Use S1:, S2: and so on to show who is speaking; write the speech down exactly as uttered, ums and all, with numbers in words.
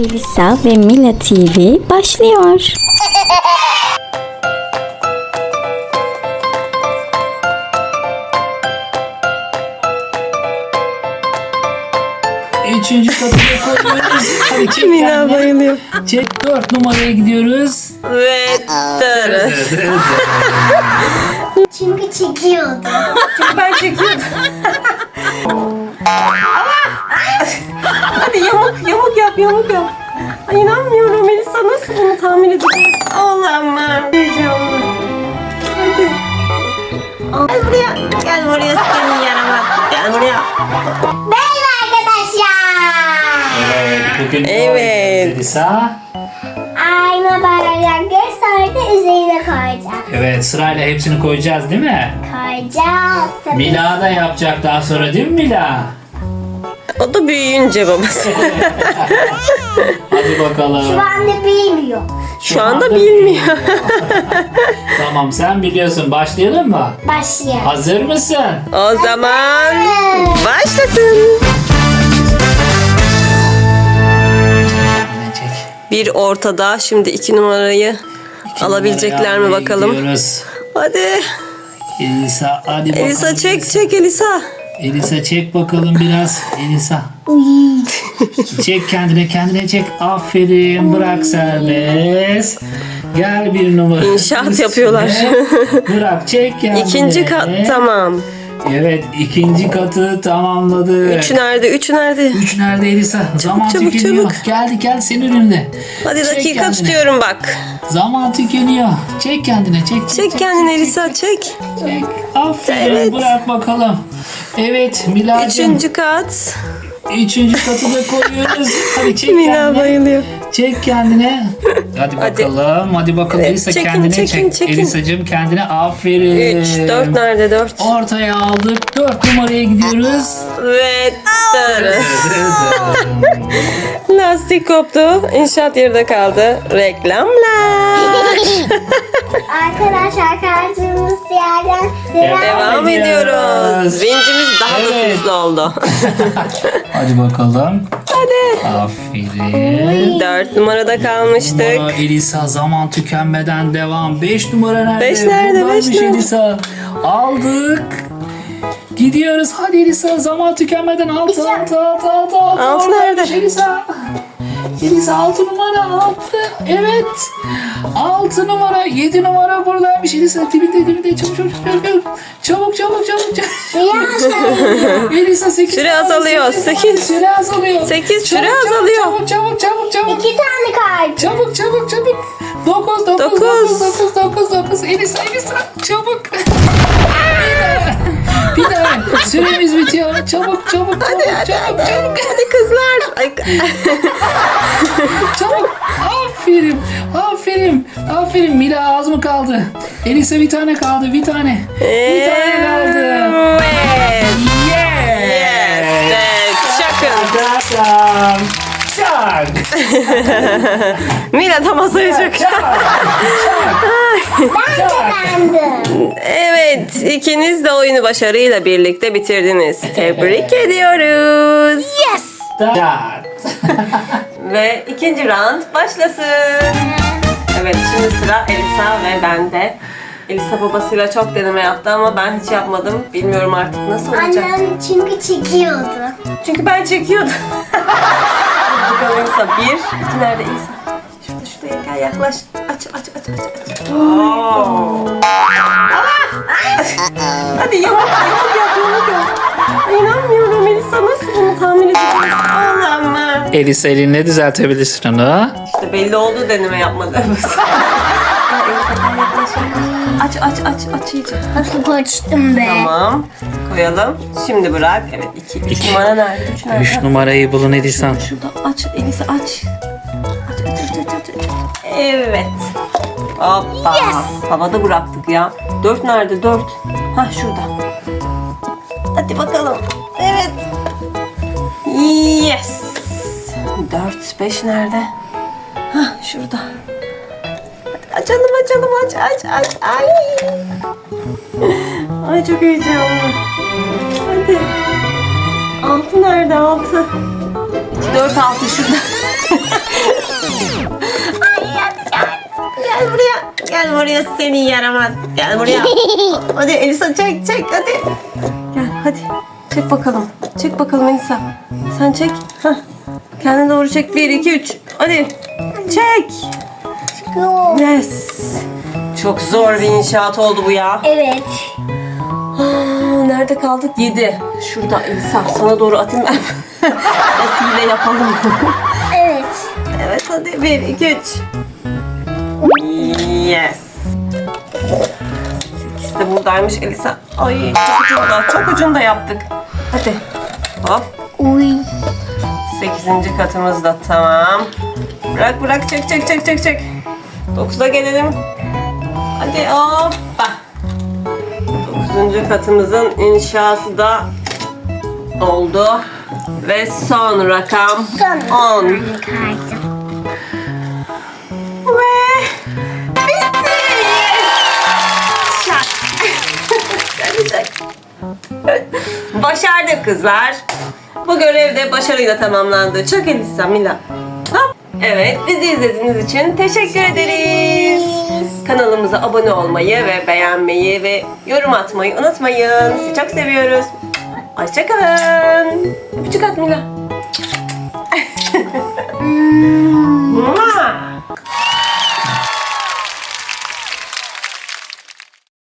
S1: Elisa ve Mila T V başlıyor.
S2: Üçüncü kapıya koyuyoruz. Hadi çek
S3: Mila
S2: kendine.
S3: bayılıyor.
S2: Çek, dört numaraya gidiyoruz.
S3: Ve tırı.
S4: Çünkü çekiyordu.
S3: Çünkü ben çekiyordum. Hadi yamuk yamuk yap yamuk yap. Ay inanmıyorum Elisa, nasıl bunu tahmin edeceğiz? Olamam. Heyecanlı. Hadi. Gel buraya. Gel buraya seni yaramaz. Gel buraya.
S4: Merhaba arkadaşlar.
S2: Evet, bugün
S3: Evet.
S2: Elisa.
S4: Ayna bardakları sonra da üzerine koyacağım.
S2: Evet, sırayla hepsini koyacağız değil mi?
S4: Koyacağız. Tabii.
S2: Mila da yapacak daha sonra değil mi Mila?
S3: O da büyüyünce babası.
S2: Hadi bakalım.
S4: Şu anda bilmiyor.
S3: Şu anda bilmiyor.
S2: Tamam, sen biliyorsun. Başlayalım mı?
S4: Başlayalım.
S2: Hazır mısın?
S3: O zaman başlasın.
S2: Çek.
S3: Bir ortada, şimdi iki numarayı
S2: İki
S3: alabilecekler mi
S2: numaraya
S3: bakalım.
S2: gidiyoruz.
S3: Hadi.
S2: Elisa hadi bakalım.
S3: Elisa çek çek Elisa.
S2: Elisa çek bakalım biraz. Elisa. Çek kendine kendine çek. Aferin, bırak serbest. Gel bir numara.
S3: İnşaat
S2: üstüne.
S3: yapıyorlar.
S2: Bırak çek kendine.
S3: İkinci kat tamam.
S2: Evet, ikinci katı tamamladı.
S3: Üç nerede? Üç nerede?
S2: Üç nerede Elisa? Zaman
S3: çabuk,
S2: tükeniyor.
S3: çabuk.
S2: Geldi gel senin önünde.
S3: Hadi
S2: Çek
S3: dakika
S2: kendine.
S3: tutuyorum bak.
S2: Zaman tükeniyor. Çek kendine çek. Çek,
S3: Çek kendini Elisa çek.
S2: çek. Aferin,
S3: Evet.
S2: bırak bakalım. Evet Mila'cığım.
S3: Üçüncü kat.
S2: Üçüncü katı da koyuyoruz. Hadi çek
S3: Mila
S2: kendine.
S3: bayılıyor.
S2: Çek kendine. Hadi
S3: Hadi.
S2: bakalım. Hadi bakalım
S3: Evet,
S2: Elisa
S3: çekin,
S2: kendine
S3: çekin,
S2: çek.
S3: çekin.
S2: Elisa'cığım kendine aferin.
S3: Üç. Dört nerede? Dört.
S2: Ortaya aldık. Dört numaraya gidiyoruz.
S3: Ve tırı. Lastik koptu. İnşaat yerde kaldı. Reklamlar.
S4: Arkadaşlar kaldığımız yerden
S2: Devam
S3: Devam
S2: ediyoruz.
S3: ediyoruz. Vincimiz daha da
S2: Evet.
S3: süslü oldu.
S2: Hadi bakalım.
S3: Hadi.
S2: Aferin.
S3: Dört numarada kalmıştık.
S2: Numara Elisa, zaman tükenmeden devam. Beş numara nerede?
S3: Beş nerede,
S2: Buradaymış
S3: beş nerede?
S2: Elisa. Aldık. Gidiyoruz. Hadi Elisa, zaman tükenmeden altı altı altı altı altı.
S3: Altı
S2: Oradaymış
S3: nerede?
S2: Elisa. Elisa altı numara altı. Evet. Altı numara, yedi numara buradaymış Elisa. Dibinde dibinde çabuk çabuk çabuk. Çabuk çabuk çabuk çabuk. Elisa sekiz.
S3: Süre azalıyor, sekiz.
S2: Süre azalıyor.
S3: Sekiz, süre
S2: Çabuk, çabuk,
S3: azalıyor.
S2: Çabuk çabuk çabuk çabuk.
S4: iki tane kaldı.
S2: Çabuk çabuk çabuk. Dokuz dokuz
S3: Dokuz.
S2: dokuz dokuz dokuz dokuz. Elisa Elisa çabuk. Bir daha. Bir daha. Süremiz bitiyor. Çabuk çabuk çabuk çabuk çabuk.
S3: Hadi kızlar. Ay,
S2: Çabuk. Aferin. Aferin. Aferin. Mila az mı kaldı? Elisa bir tane kaldı. Bir tane. Bir tane kaldı.
S3: Evet.
S2: Yes.
S3: Evet. Çakın.
S2: Arkadaşlar. Çak.
S3: Mila da masayı çak.
S4: Bendim.
S3: Evet. ikiniz de oyunu başarıyla birlikte bitirdiniz. Tebrik ediyoruz.
S4: Yes.
S2: Start.
S3: Ve ikinci round başlasın. Evet, şimdi sıra Elisa ve bende. Elisa babasıyla çok deneme yaptı ama ben hiç yapmadım. Bilmiyorum artık nasıl olacak.
S4: Annem çünkü çekiyordu.
S3: Çünkü ben çekiyordum. Hadi bakalım Elisa. Bir, iki nerede Elisa? Şurada şuraya gel, yaklaş. Aç aç aç aç. aç. Oo. Hadi yamuk yamuk yap yamuk yap. Ay, İnanmıyorum Elisa, nasıl bunu tahmin edeceğiz? Allah'ım.
S2: Elisa elinle düzeltebilirsin onu.
S3: İşte belli oldu deneme yapmadı. Ay, Elisa gel yaklaş yaklaş. Aç aç aç aç iyice.
S4: Nasıl koştum be.
S3: Tamam. Koyalım. Şimdi bırak. Evet iki. Üç
S2: İki.
S3: numara nerede? Üç nerede?
S2: Üç numarayı bulun Elisa.
S3: Şurada aç Elisa aç. Aç aç aç aç aç. Evet. Hoppa. Havada bıraktık ya. Dört nerede? Dört. Hah şurada. Hadi bakalım. Evet. Yes. Dört. Beş nerede? Hah şurada. Hadi açalım açalım aç aç aç. Ay. Ay çok heyecanlı. Hadi. Altı nerede altı? İki, dört, altı şurada. geliyor seni yaramaz. Gel buraya. Hadi Elisa çek çek hadi. Gel hadi. Çek bakalım. Çek bakalım Elisa. Sen çek. Hah. Kendine doğru çek. Bir, iki, üç. Hadi. Çek.
S4: Yok.
S3: Yes. Çok zor bir inşaat oldu bu ya.
S4: Evet.
S3: Aa, nerede kaldık? Yedi. Şurada Elisa. Sana doğru atayım ben. Nasıl yapalım.
S4: Evet.
S3: Evet hadi. Bir, iki, üç. Yes. İkisi de buradaymış Elisa. Ay çok ucunda. Çok ucunda yaptık. Hadi. Hop.
S4: Uy.
S3: Sekizinci katımız da tamam. Bırak bırak çek çek çek çek çek. Dokuza gelelim. Hadi hoppa. Dokuzuncu katımızın inşası da oldu. Ve son rakam
S4: Son.
S3: on.
S4: Kartım.
S3: Ve bitti. Çak. Hadi çak. Başardık kızlar. Bu görev de başarıyla tamamlandı. Çok Elisa, Mila. Hop. Evet, bizi izlediğiniz için teşekkür ederiz. Kanalımıza abone olmayı ve beğenmeyi ve yorum atmayı unutmayın. Sizi çok seviyoruz. Hoşçakalın. Öpücük at Mila.